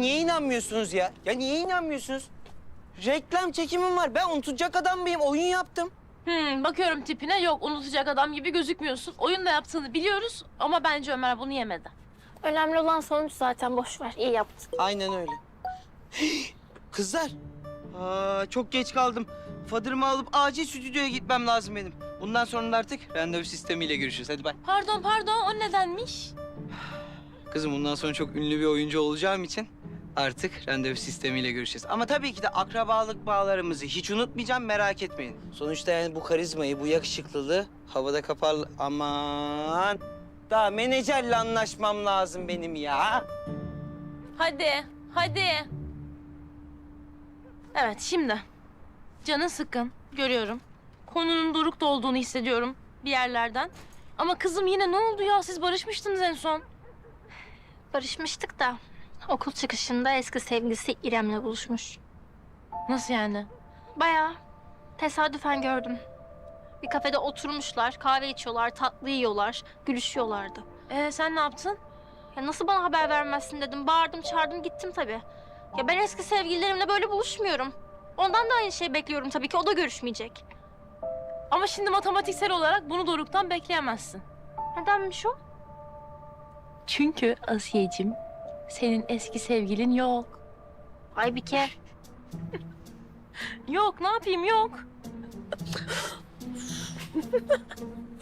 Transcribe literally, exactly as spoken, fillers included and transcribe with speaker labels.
Speaker 1: niye inanmıyorsunuz ya? Ya niye inanmıyorsunuz? Reklam çekimim var. Ben unutacak adam mıyım? Oyun yaptım.
Speaker 2: Hmm, bakıyorum tipine. Yok, unutacak adam gibi gözükmüyorsun. Oyun da yaptığını biliyoruz ama bence Ömer bunu yemedi.
Speaker 3: Önemli olan sonuç zaten, boş ver. İyi yaptın.
Speaker 1: Aynen öyle. Kızlar. Aa, çok geç kaldım. Fadırımı alıp acil stüdyoya gitmem lazım benim. Bundan sonra da artık randevu sistemiyle görüşürüz. Hadi bay.
Speaker 2: Pardon, pardon. O nedenmiş?
Speaker 1: Kızım bundan sonra çok ünlü bir oyuncu olacağım için artık randevu sistemiyle görüşeceğiz. Ama tabii ki de akrabalık bağlarımızı hiç unutmayacağım, merak etmeyin. Sonuçta yani bu karizmayı, bu yakışıklılığı havada kapar... Aman! Daha menajerle anlaşmam lazım benim ya.
Speaker 2: Hadi, hadi. Evet, şimdi. Canın sıkkın, görüyorum. Konunun dorukta olduğunu hissediyorum bir yerlerden. Ama kızım yine ne oldu ya? Siz barışmıştınız en son.
Speaker 3: Barışmıştık da okul çıkışında eski sevgilisi İrem'le buluşmuş.
Speaker 2: Nasıl yani?
Speaker 3: Bayağı tesadüfen gördüm. Bir kafede oturmuşlar, kahve içiyorlar, tatlı yiyorlar, gülüşüyorlardı.
Speaker 2: Ee, sen ne yaptın?
Speaker 3: Ya nasıl bana haber vermezsin dedim. Bağırdım, çağırdım, gittim tabii. Ya ben eski sevgililerimle böyle buluşmuyorum. Ondan da aynı şeyi bekliyorum tabii ki. O da görüşmeyecek.
Speaker 2: Ama şimdi matematiksel olarak bunu doruktan bekleyemezsin.
Speaker 3: Nedenmiş o?
Speaker 2: Çünkü Asiyeciğim, senin eski sevgilin yok.
Speaker 3: Aybike.
Speaker 2: Yok, ne yapayım yok.